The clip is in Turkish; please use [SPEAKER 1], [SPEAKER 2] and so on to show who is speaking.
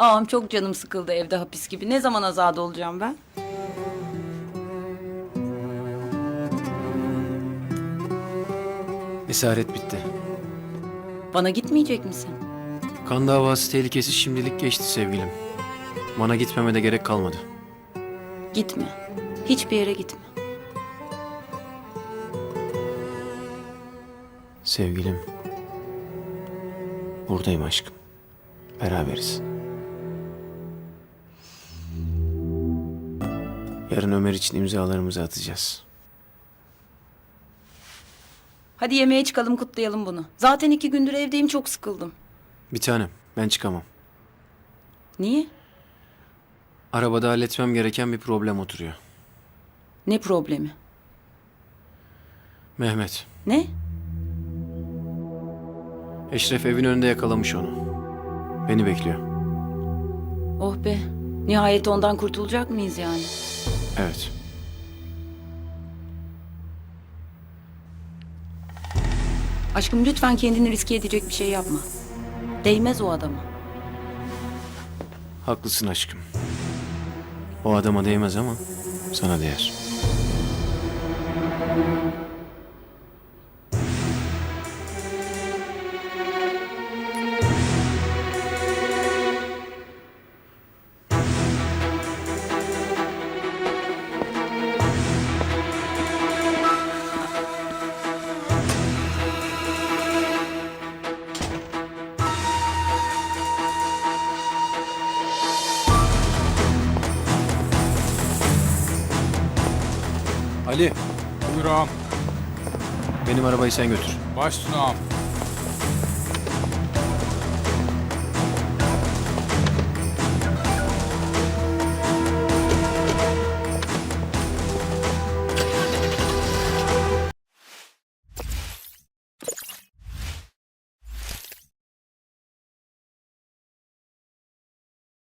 [SPEAKER 1] Ağam çok canım sıkıldı evde hapis gibi. Ne zaman azade olacağım ben?
[SPEAKER 2] Esaret bitti.
[SPEAKER 1] Bana gitmeyecek misin?
[SPEAKER 2] Kan davası tehlikesi şimdilik geçti sevgilim. Bana gitmeme de gerek kalmadı.
[SPEAKER 1] Gitme. Hiçbir yere gitme.
[SPEAKER 2] Sevgilim. Buradayım aşkım. Beraberiz. Yarın Ömer için imzalarımızı atacağız.
[SPEAKER 1] Hadi yemeğe çıkalım, kutlayalım bunu. Zaten 2 gündür evdeyim, çok sıkıldım.
[SPEAKER 2] Bir tanem, ben çıkamam.
[SPEAKER 1] Niye?
[SPEAKER 2] Arabada halletmem gereken bir problem oturuyor.
[SPEAKER 1] Ne problemi?
[SPEAKER 2] Mehmet.
[SPEAKER 1] Ne?
[SPEAKER 2] Eşref evin önünde yakalamış onu. Beni bekliyor.
[SPEAKER 1] Oh be. Nihayet ondan kurtulacak mıyız yani?
[SPEAKER 2] Evet.
[SPEAKER 1] Aşkım lütfen kendini riske edecek bir şey yapma. Değmez o adama.
[SPEAKER 2] Haklısın aşkım. O adama değmez ama sana değer. Ali,
[SPEAKER 3] Buyur ağam.
[SPEAKER 2] benim arabayı sen götür.
[SPEAKER 3] Baş üstüne ağam.